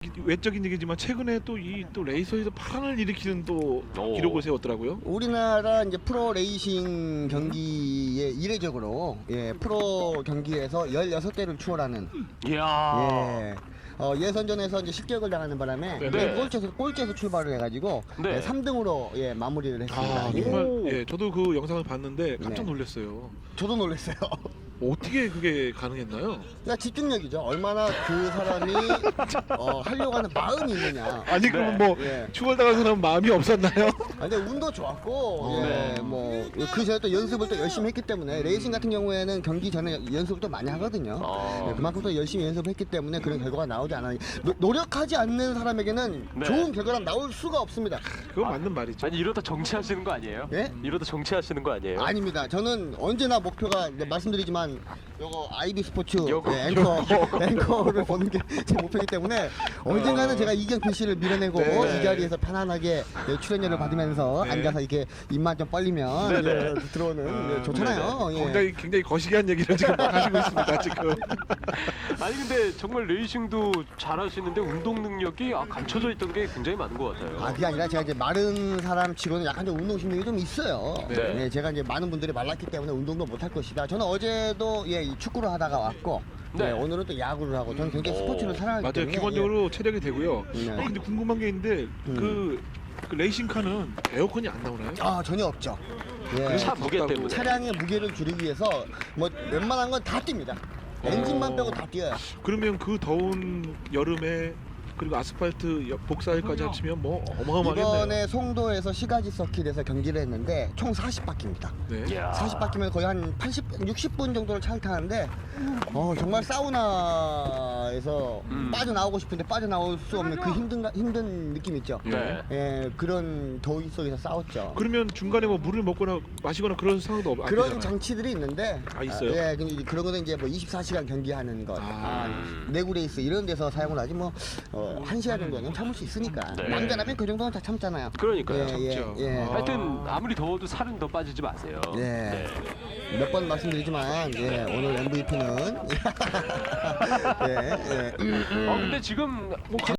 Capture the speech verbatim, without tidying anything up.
외적인 얘기지만 최근에 또 이 또 레이서에서 파란을 일으키는 또 오. 기록을 세웠더라고요. 우리나라 이제 프로 레이싱 경기에 이례적으로 예, 프로 경기에서 열여섯 대를 추월하는 이야. 예. 어, 예선전에서 이제 십격을 당하는 바람에 네. 맨 꼴찌에서 꼴찌에서 출발을 해가지고 네. 예, 삼 등으로 예, 마무리를 했습니다. 아 예. 정말 예 저도 그 영상을 봤는데 깜짝 네. 놀랐어요. 저도 놀랐어요. 어떻게 그게 가능했나요? 그러니까 집중력이죠. 얼마나 그 사람이 어, 하려고 하는 마음이 있느냐. 아니 그럼 뭐 예. 추월당한 사람 마음이 없었나요? 아, 근데 운도 좋았고 어. 예, 네. 뭐그 전에 또 연습을 또 열심히 했기 때문에 레이싱 같은 경우에는 경기 전에 연습을 또 많이 하거든요. 아. 예, 그만큼 또 열심히 연습을 했기 때문에 그런 결과가 나오지 않아요. 노, 노력하지 않는 사람에게는 네. 좋은 결과가 나올 수가 없습니다. 그거 맞는 말이죠. 아니 이러다 정치하시는 거 아니에요? 예? 이러다 정치하시는 거 아니에요? 아닙니다. 저는 언제나 목표가 이제 말씀드리지만 요거 아이비 스포츠 요거, 예, 앵커 앵커를 보는 게 제 목표이기 때문에 언젠가는 제가 이경필 씨를 밀어내고 네. 이 자리에서 편안하게 예, 출연료를 받으면서 네. 앉아서 이렇게 입만 좀 벌리면 네네. 예, 들어오는 예, 좋잖아요. 예. 굉장히 굉장히 거시기한 얘기를 지금 막 하시고 있습니다 지금. 아니 근데 정말 레이싱도 잘하시는데 운동 능력이 아, 감춰져 있던 게 굉장히 많은 것 같아요. 아 그게 아니라 제가 이제 마른 사람 치고는 약간 좀 운동신경이 좀 있어요. 네. 예, 제가 이제 많은 분들이 말랐기 때문에 운동도 못할 것이다. 저는 어제도 예, 이 축구를 하다가 왔고 네. 예, 오늘은 또 야구를 하고 저는 굉장히 오. 스포츠를 사랑하기 맞아요. 때문에 기본적으로 체력이 되고요. 네. 어, 근데 궁금한 게 있는데 그, 그 레이싱카는 에어컨이 안 나오나요? 예. 아 전혀 없죠. 예. 차 무게 덥다고. 때문에. 차량의 무게를 줄이기 위해서 뭐 웬만한 건 다 뜁니다. 엔진만 빼고 다 뛰어요. 그러면 그 더운 여름에 그리고 아스팔트 여- 복사일까지 합치면 뭐 어마어마하겠네요. 이번에 송도에서 시가지 서킷에서 경기를 했는데 총 사십 바퀴입니다. 네. 이야. 사십 바퀴면 거의 한 팔십, 육십 분 정도를 차를 타는데 어, 정말 사우나에서 음. 빠져나오고 싶은데 빠져나올 수 없는 그 힘든 힘든 느낌 있죠. 네. 예, 그런 더위 속에서 싸웠죠. 그러면 중간에 뭐 물을 먹거나 마시거나 그런 상황도 없, 안 그런 되잖아요. 장치들이 있는데 아, 있어요? 예, 근데 그런 거는 이제 뭐 이십사 시간 경기하는 것, 아. 아, 내구 레이스 이런 데서 사용을 하지 뭐 어, 한 시간 정도는 참을 수 있으니까 네. 남자라면 그 정도는 다 참잖아요. 그러니까요. 예, 참죠. 예, 예. 아. 하여튼 아무리 더워도 살은 더 빠지지 마세요. 예. 네. 몇 번 말씀드리지만 예, 오늘 엠브이피는 예, 예. 어 근데 지금 뭐